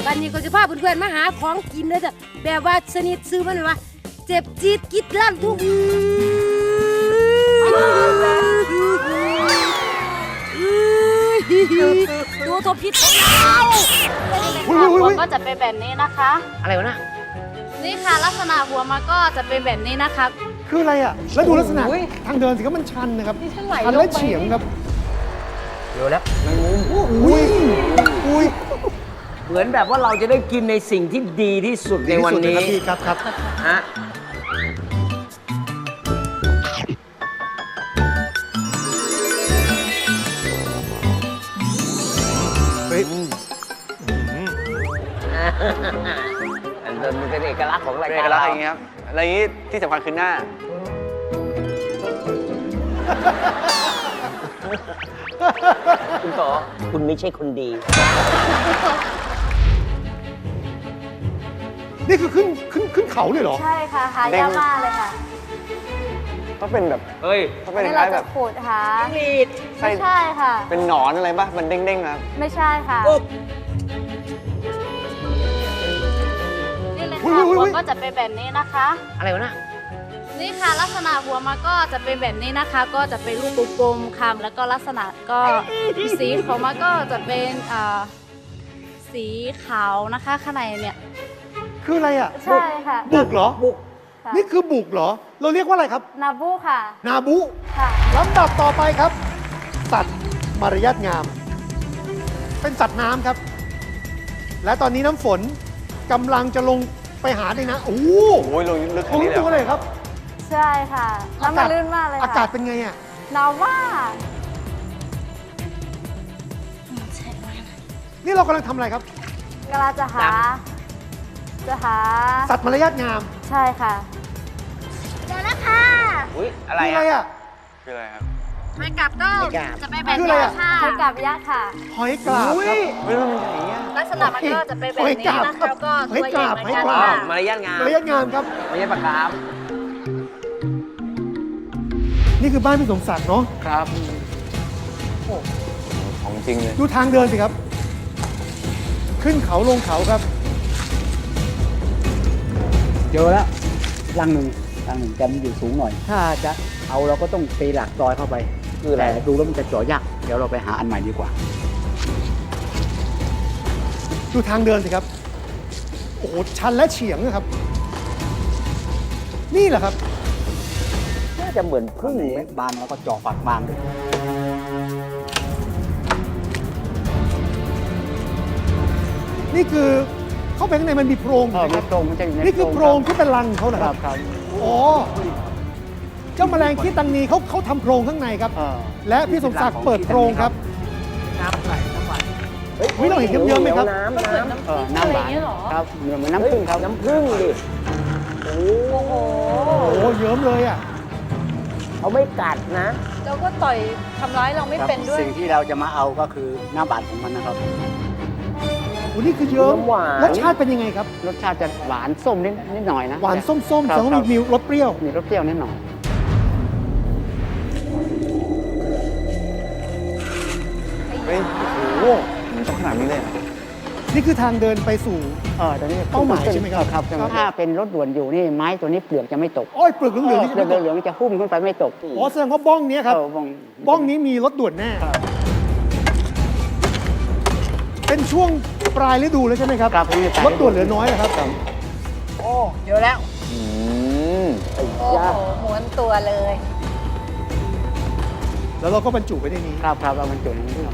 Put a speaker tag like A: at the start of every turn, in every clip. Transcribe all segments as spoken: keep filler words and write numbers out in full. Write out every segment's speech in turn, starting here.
A: วันนี้ก็จะพาเพื่อนๆมาหาของกินเลยจ้ะแบบว่าชนิดซื้อมันว่าเจ็บจี๊ดกิดลั่นทุกดูทบพิษหัวก็จะเป็นแบบนี้นะคะอะไรวะน่ะนี่ค่ะลักษณะหัวมันก็จะเป็นแบบนี้นะคะ
B: คืออะไรอ่ะแล้วดูลักษณะทางเดินสิครับมันชันนะครับชันและเฉียงครับ
C: เดี๋ยวแล้วมันมุม
B: อุ้ยอุ้ย
C: เหมือนแบบว่าเราจะได้กินในสิ่งที่ดีที่สุดในวันนี้
B: ครับครับ
C: ฮะ
B: เฮ้ย
C: อันนั้นมันเป็นเอกลักษณ์ของรายการ
D: เอกลักษณ์อย่างเงี้ยครับอะไรอย่างงี้ที่สำคัญคือหน้า
C: คุณต่อคุณไม่ใช่คนดี
B: นี่คือขึ้นขึ้นขึ้นเขาเลยเหรอ
E: ใช่ค่ะหายากมากเลยค่ะ
D: ต้องเป็นแบบ
C: เฮ้ย
D: ต้องเป็น
E: นี่
D: ค
E: เรา
D: ล้ายๆแบ
E: จะ
D: บ
E: ขูดหา
D: ไม่
E: ใช่ค่ะ
D: เป็นหนอนอะไรป่ะมันเด้งๆครับ
E: ไม่ใช่ค่ะนี่เลยค่ะหัวก็จะเป็นแบบนี้นะคะ
C: อะไรวะน่ะ
E: นี่ค่ะลักษณะหัวมันก็จะเป็นแบบนี้นะคะ ก็จะเป็นรูปกลมๆคำแล้วก็ลักษณะก็สีของมันก็จะเป็นสีขาวนะคะข้างในเนี่ย
B: คืออะไรอ่ะ
E: ใช่ค่ะ
B: บุกเหรอบุกนี่คือบุกเหรอเราเรียกว่าอะไรครับ
E: นาบูค่ะ
B: นาบุ
E: ค่ะ
B: ลำดับต่อไปครับสัตว์มารยาทงามเป็นสัตว์น้ำครับและตอนนี้น้ำฝนกำลังจะลงไปหาในน้ำโอ้โห
D: ลงลึก
B: ลงตัวเลยครับ
E: ใช่ค่ะน้ำมันลื่นมากเลยค่ะ
B: อากาศเป็นไงอ่ะ
E: หนาวมาก
B: นี่เรากำลังทำอะไรครับ
E: กำลังจะหาจะหา
B: สัตว์มารยาทงาม
E: ใช่ค่ะเจอแล้วค่ะ
C: อุ้ยอะไร
B: อ่ะ
D: คืออะไรครับ
E: หอยกาบก็จะเป็นแบบนี้ค่ะหอยกาบยักษ์ค่ะ
B: หอยกาบครับ
D: ไม่รู้มันใหญ่เงี้ย
E: ลักษณะมันก็จะเป็นแบบนี้นะคะแล้วก็ตัวใหญ่เหมือนกันค่ะ
C: มารยาทงาม
B: มารยาทงามครับ
C: มารยาทปากกาม
B: นี่คือบ้านพี่สมศักดิ์เนาะ
D: ครับของจริงเลย
B: ดูทางเดินสิครับขึ้นเขาลงเขาครับ
F: เจอแล้วรังหนึ่งรังหนึ่งจะมันอยู่สูงหน่อยถ้าจะเอาเราก็ต้องตีหลักซอยเข้าไป
C: คืออะไร
F: แต่ดูแล้วมันจะเจาะยากเดี๋ยวเราไปหาอันใหม่ดีกว่า
B: ดูทางเดินสิครับโอ้โหชันและเฉียงนะครับนี่แหละครับ
C: น่าจะเหมือนพึ่ง
F: บานแล้วก็เจาะปากบานเลย
B: นี่คือเข้าไปข้างในมันมีโพรง
F: เออมีโพรงมันจะอยู่ใน
B: นี่คือโพรงที่เป็นรังเขาเหรอ
F: ค
B: ค
F: รั
B: รั
F: บบ ครับ
B: อ๋อเจ้าแมลงขี้ตังนีเขาเขาทำโพรงข้างในครับและพี่สมศักดิ์เปิดโพรงครับ
F: น้ำไหลน้ำไหล
B: เฮ้ยเราเห็นเยิ้มๆไหมครับ
C: น้ำน้ำ
F: เออน้ำหวานครับเหมือนน้ำผึ้งครับ
C: น้ำผึ้งดิโอ้โห
B: โอ้เยิ้มเลยอ่ะ
C: เขาไม่กัดนะ
E: เราก็ต่อยทำร้ายเราไม่เป็นด้วย
F: สิ่งที่เราจะมาเอาก็คือน้ำหวานของมันนะครับ
B: โอ้นี่คือเยิ้มรสชาติเป็นยังไงครับ
F: รสชาติจะหวานส้มนิดนิดหน่อยนะ
B: หวานส้มๆแต่ว่ามีรสเปรี้ยว
F: มีรสเปรี้ยวนิดหน่อย
D: เฮ้ยโอ้โหมันต้องขนาดนี้เลย
B: นี่คือทางเดินไปสู่
F: เออตอนนี้
B: เป้าหมายใช่ไหมครับ
F: ครับถ้าเป็นรถด่วนอยู่นี่ไม้ตัวนี้เปลือกจะไม่ตก
B: อ้อยเปลือกเหลืองๆนี่
F: เปลือกเหลืองๆจะหุ้มขึ้นไปไม่ตก
B: อ๋อแสดงว่าบ้องนี้ครับบ้องนี้มีรถด่วนแน่เป็นช่วงปลายฤดูแล้วใช่ไหมครับรถด่วนเหลือน้อยนะครับ
C: โอ้เยอะแล้ว
E: โอ้โหม้วนตัวเลย
B: แล้วเราก็บรรจุไปในนี้
F: ครับครับเราบรรจุในนี้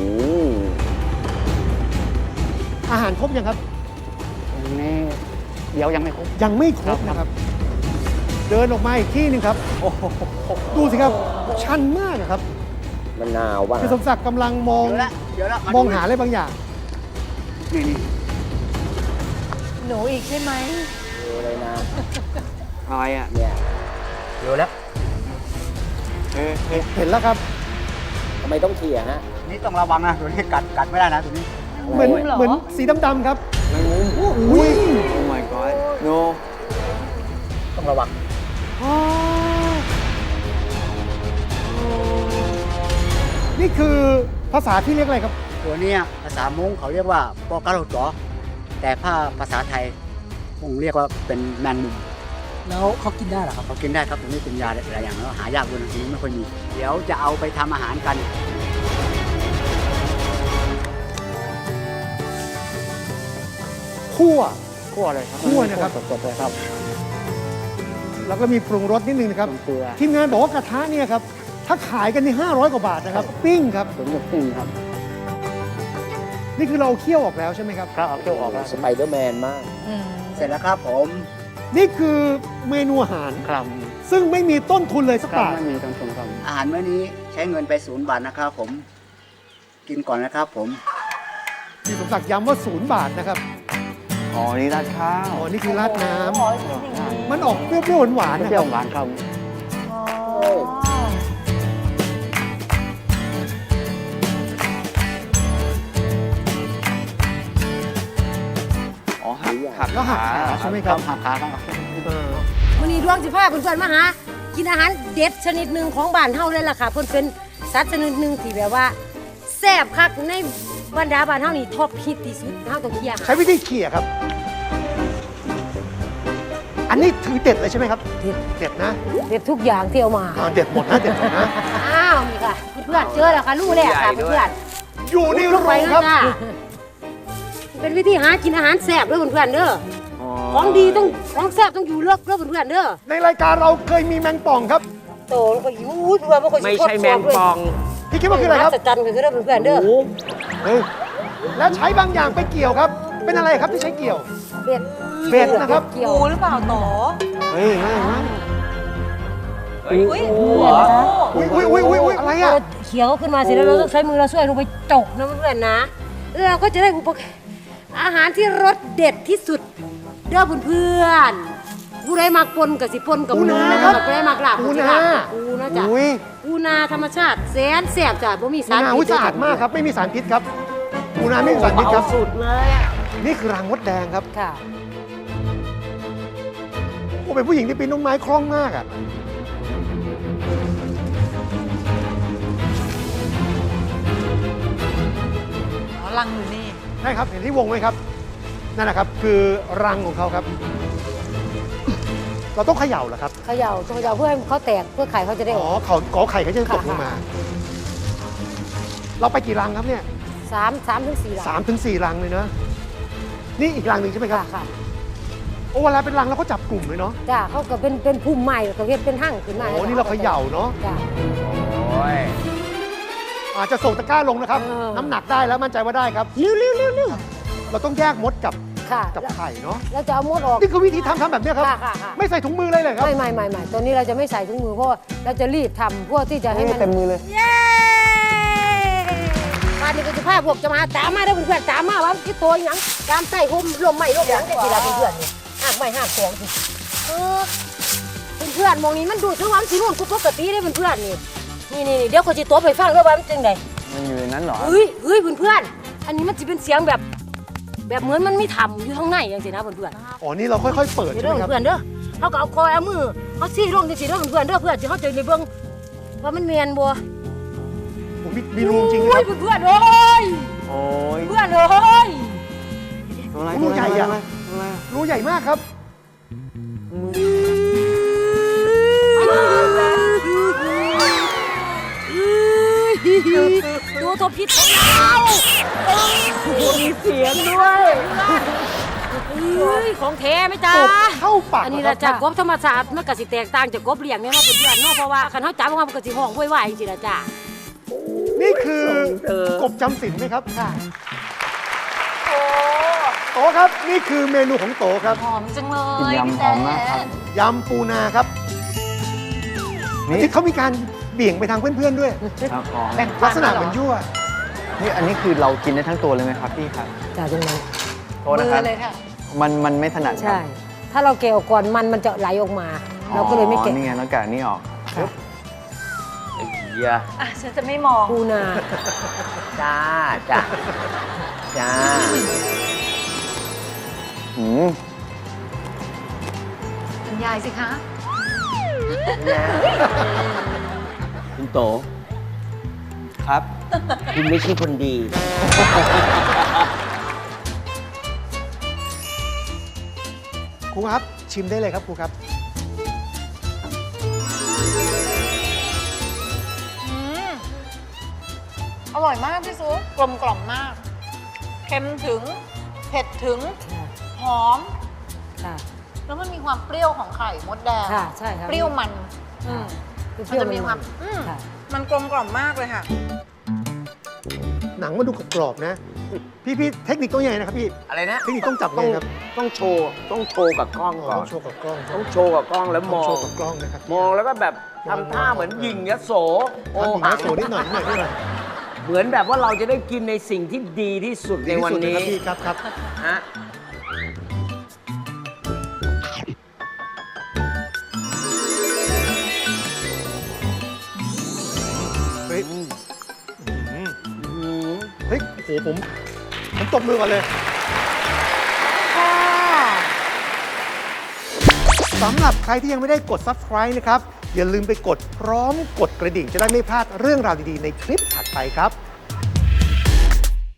B: อาหารครบยังครับ
F: นี่เดี๋ยวยังไม่ครบ
B: ยังไม่ครบนะครับเดินออกมาอีกที่หนึ่งครับดูสิครับชันมากครับ
C: มะนาวว่ะ
B: พี่สมศักดิ์กำลังมองมองหาอะไรบางอย่าง
F: นี่นี่
E: หนูอีกใช่ไหม
C: ดูเลยนะ
D: อะไรอ่ะ
C: เนี่ยเดี๋ยวแล้ว
B: เห็นแล้วครับ
C: ทำไมต้องเขี่ยฮะ
F: นี่ต้องระวังนะตัวนี้กัดกัดไม่ได้นะตัวนี้
B: เหมือนเหมือนสีดำๆครับ
D: แมงมุมอุ้ยโอ้ my god no
C: ต้องระวัง
B: นี่คือภาษาที่เรียกอะไรครับ
F: ตัวนี้ภาษามงเขาเรียกว่าปอกระโดดจ๋อแต่ถ้าภาษาไทยผมเรียกว่าเป็นแมงมุม
G: แล้วเขากินได้เหรอครับ
F: เขากินได้ครับตรงนี้เป็นยาหลายอย่างแล้วหายากด้วยทีนี้ไม่ค่อยมี เดี๋ยวจะเอาไปทำอาหารกัน
B: คั่ว
F: คั่วเลยครับ
B: คั่วนะครับ
F: สดๆเลยครับ
B: แล้วก็มีปรุงรสนิดนึงนะครับ
F: เกลือ
B: ทีมงานบอกว่ากระทะเนี่ยครับ ถ้าขายกันนี่ห้าร้อยกว่าบาทนะครับ ปิ้งครับ
F: สมกับปิ้งครับ
B: นี่คือเราเคี่ยวออกแล้วใช่ไหมครับ
F: ครับเอาเคี่ยวออกแล้ว
C: สไปเดอร์แมนมาก
F: เสร็จแล้วครับผม
B: นี่คือเมนูอาหาร
F: ครับ
B: ซึ่งไม่มีต้นทุนเลยสัก
F: ครับ
B: บาท
F: ไม่มีต้นทุนครับอาหารมื้อนี้ใช้เงินไปศูนย์บาทนะครับผม กินก่อนนะครับผม
B: พี่สมศักดิ์ย้ำว่าศูนย์บาทนะครับ
D: อ๋อ นี่ราดข้าว
B: อ๋อ นี่คือราดน้ำ มันออกเปรี้ยวๆหวานๆนะ
F: เปรี้
B: ค
F: ย
B: รั
F: ว
B: บ
F: หวานครับ
D: อ๋อ หักหัก
B: แล้วหักขาใช่ไหมครับ
F: หักขาครับ
B: เออ
G: วันนี้ดวงสิพาเพื่อนๆมาหากินอาหารเด็ดชนิดหนึ่งของบ้านเฮาเลยล่ะค่ะเพิ่นเป็นสัตว์ชนิดหนึ่งที่แบบว่าแซ่บคักในบรรดาบ้านเฮานี่ท็อปฮิตที่สุดเฮาต้องเคี่ยว
B: ใช้วิธีเขี่ยครับ อันนี้ถือเด็ดเลยใช่ไหมครับ
G: เด็ด
B: เด็ดนะ
G: เด็ดทุกอย่างที่เอามา
B: อ่าเด็ดหมดนะเด็ดหมดนะ
G: อ้าวนี่ค่ะเพื่อนๆเจอแล้วค่ะรู้แล้วค่ะเพื่อน
B: อยู่
G: ๆ
B: ใน
G: ล
B: โรง
G: ไป
B: ง
G: แล้ว
B: ครับ
G: จ้าเป็นวิธีหากินอาหารแซ่บเด้อเพื่อนๆเด้อของดีต้องของแซ่บต้องอยู่เลือกเด้อเพื่อนๆเด้อ
B: ในรายการเราเคยมีแมงป่องครับ
G: โตแล้วก็อยู่เพื่อนบ่ค่อยสิ
C: ไม่ใช่แมงปอง
B: พี่คิดว่าคืออะไรครับ
G: จัดจันคือเด้อเพื่อนๆเด้อ
B: เฮ้ยแล้วใช้บางอย่างไปเกี่ยวครับ เป็นอะไรครับที่ใช้เกี่ยว
G: เบ็ด
B: เบ็ดนะครับ
G: เกี่ยว
H: ปูหรือเปล่าโต
B: เฮ้ยง่ายมาก
H: อุ้ยปูเหรอ
B: อุ้ยอุ้ยอุ้ยอุ้ยอุ้ยอะไรอ่ะ
G: เราเขียวขึ้นมาเสร็จแล้วเราต้องใช้มือเราช่วยลงไปจกนะเพื่อนๆนะแล้วเราก็จะได้อุปกรณ์อาหารที่รสเด็ดที่สุดเด้อเพื่อนๆผู้ใดมักปนกับสิปนกับ
B: ปูนา
G: นะ
B: ค
G: ค
B: รั
G: รับ บผู้ใดมักลาบ
B: ปู
G: กับสิ
B: นา
G: ลาบกับปูนะจ๊ะ
B: อุ้ย
G: ปูนาธรรมชาติแสนแสบจ้ะบ่มี
B: ปู
G: สาร
B: นา
G: พิ
B: อุ้ย
G: ษ
B: สะอาดมากครับ ไม่มีสารพิษครับปูนาไม่มีสารพิษครับ
G: สุดเลยอะ
B: นี่คือรังมดแดงครับ
G: ค่ะ
B: โอ้เป็นผู้หญิงที่ปีนต้นไม้คล่องมากอ่ะ
H: อ๋อลังอยู่นี่
B: ใช่ครับ เห็นที่วงไหมครับ นั่นแหละครับ คือรังของเขาครับ เราต้องเขย่าเหรอครับ
G: เขย่าต้องเขย่าเพื่อให้เขาแตกเพื่อไข่เขาจะได้
B: อ๋
G: อ
B: อ
G: อก
B: เขากอไข่เขาจะตกลง
G: ค่ะ
B: มา เราไปกี่รังครับเนี่ย
G: สามสามถึงสี่หลัง
B: สามถึงสี่รังเลยนะ นี่อีกรังหนึ่งใช่ไหมครับ
G: ค่ะค่ะ
B: โอ้เวลาเป็นรังเราก็จับกลุ่มเลยเนาะ
G: จ้ะเขาก็เป็นเป็นภูมิใหม่เขาเฮ็ดเป็นหั่งขึ้นมา
B: โอ้นี่เราเขย่าเนาะ
G: จ้ะ
C: โอ้ย
B: อาจจะส่งตะกร้าลงนะครับ
G: เออ
B: น้ำหนักได้แล้วมั่นใจว่าได้ครับ
G: เร็วเร็วเร็วเร็ว
B: เราต้องแยกมดกับ
G: ค่ะ
B: กับไข่เนาะ
G: เราจะเอามดออก
B: นี่คือวิธีทำทำแบบเนี้ยครับ
G: ค่ะค่ะค่ะ
B: ไม่ใส่ถุงมือเลยเลยครับ
G: ไม่ไม่ไม่ไม่ตอนนี้เราจะไม่ใส่ถุงมือเพราะว่าเราจะรีบทำเพื่อที่จะให้มัน
F: เต็มมือเลย
G: เย้บ้านนี้ก็จะพาพวกจะมาตามมาเด้อเพื่อนๆตามมาว่าคิดตัวหยังตามใส่ห่มลมไม่ลมหยังจะสิล่ะเพื่อนๆนี่หักไม่หักของสิเออเพื่อนๆมองนี้มันดูดทั้งวันสิรุ่นกูปกติได้เพื่อนๆนี่นี่นี่เดี๋ยวเขาจะตัวไปฟังด้วยว่ามันจังได
D: มันอยู่ในนั้นเหรอ
G: เฮ้ยเฮ้ยเพื่อนๆอันนี้มันจะเป็นเสียงแบบ แบบเหมือนมันไม่ทำอยู่ข้างในอย่างสินะเพื่อนๆ
B: อ๋อ นี่เราค่อยๆ เปิด
G: เดี๋ยว
B: ใช่
G: เด้
B: ไหม
G: อ
B: ครับ
G: เพื่อนเด้อเขาก็เอาคอยเอามือเขาซี่ลงจังซี่เด้อเพื่อนเด้อเพื่อนสิเขาจะในเบิ่งว่ามันแม่นบ่
B: ผมมีมีรูจริงนะ
G: โอ้
B: ค
G: ย
B: รับ
G: เพื่อนๆเอ้ย
D: โอ้ย
G: เพื่อนเอ้ย
D: ตัวอะไร
B: รูใหญ่อะ
D: ตัวอะไรตัวอะไร
B: รูใหญ่มากครับ
G: ดูตัวพิษของเรามีเสียงด้วยเฮ้ยของแท้ไหมจ๊ะ
B: กบเข้าปาก
G: อันนี้
B: เหร
G: ละ
B: อค
G: จาก
B: รับ
G: กบธรรมศาสตร์มันก็สิแตกต่างจากกบเลี้ยงเนี่ยเนาะเพื่อนๆเนาะเพราะว่าคันเขาจับออกมามันก็สิห้องว้ายๆจริงๆละจ้ะ
B: นี่คือกบจำศีลไหมครับ
G: ค่ะ
B: โตครับ นี่คือเมนูของโตครับ
H: หอมจังเล
D: กิน
H: ย
D: ยำหอมมากครับ
B: ยำปูนาครับ
D: นี่
B: ที่เขามีการเบี่ยงไปทางเพื่อนๆด้วย
D: ครับอ๋อ
B: ลักษณะเหมือนยั่ว
D: นี่อันนี้คือเรากินได้ทั้งตัวเลยไหมครับพี่ครับ
G: จ้ะตรงนั้น
D: โทษนะครับ
H: มือเลยค่ะ
D: มันมันไม่ถนัดครั
G: ใช่
D: บ
G: ถ้าเราแกะออกก่อนมันมันจะไหลออกมา เราก็เลยไม่
D: อ๋อ
G: แกะ
D: นี่ไงแล้วแกะนี่ออก
G: ค่ะ
C: ไอ้เหี้ย
H: อ่ะ ฉันจะไม่มอง
G: ปูนา
C: จ้าจ้าจ้า
D: อืม
H: คุณยายสิคะ
C: คุณโต
D: ครับ
C: คุณไม่ใช่คนดี
B: ครูครับชิมได้เลยครับครูครับ
H: อืมอร่อยมากพี่ซุปกลมกล่อมมาก เค็มถึง เผ็ดถึง หอม
G: ค่ะ
H: แล้วมันมีความเปรี้ยวของไข่มดแดง
G: ค่ะใช่ครับ
H: เปรี้ยวมันอืม
G: คือเป
H: มัน
G: รี้ยว
H: จะมีความอืม
G: ค่ะ
H: มันกลมกล่อมมากเลยค่ะ
B: หนังมันดูกรอบๆนะ พี่พี่เทคนิคต้องยังไงนะครับพี่
C: อะไรนะ
B: เทคนิคต้องจับ
C: ต้
B: ยั
C: อง
B: งไงครับ
C: ต้องโชว์ต้องโชว์กับกล้อง
B: อ๋อ
C: ก่อ
B: ต้อน งโชว์กับกล้อง
C: ต้องโชว์กับกล้องแล้วม
B: ต้
C: อ
B: โช
C: ง
B: ว์กับกล้องนะครับ
C: มองแล้วก็แบบทำท่าเหมือนยิงยโสโอ
B: ทำอย่าง
C: หั
B: นี้
C: ง
B: โชว์นิดหน่อยนิดหน่อยนิดหน่อย
C: เหมือนแบบว่าเราจะได้กินในสิ่งที่ดีที่สุดใน
B: ดีที่
C: วัน
B: สุดเลย
C: นี้
B: ครับพี่ครับครับ
C: ฮะ
B: เฮ้ย
C: อืม
B: เฮ้ยโหผมผมตบมือก่อนเลยสำหรับใครที่ยังไม่ได้กด ซับสไครบ์ นะครับ อย่าลืมไปกดพร้อมกดกระดิ่งจะได้ไม่พลาดเรื่องราวดี ๆ ในคลิปถัดไปครับ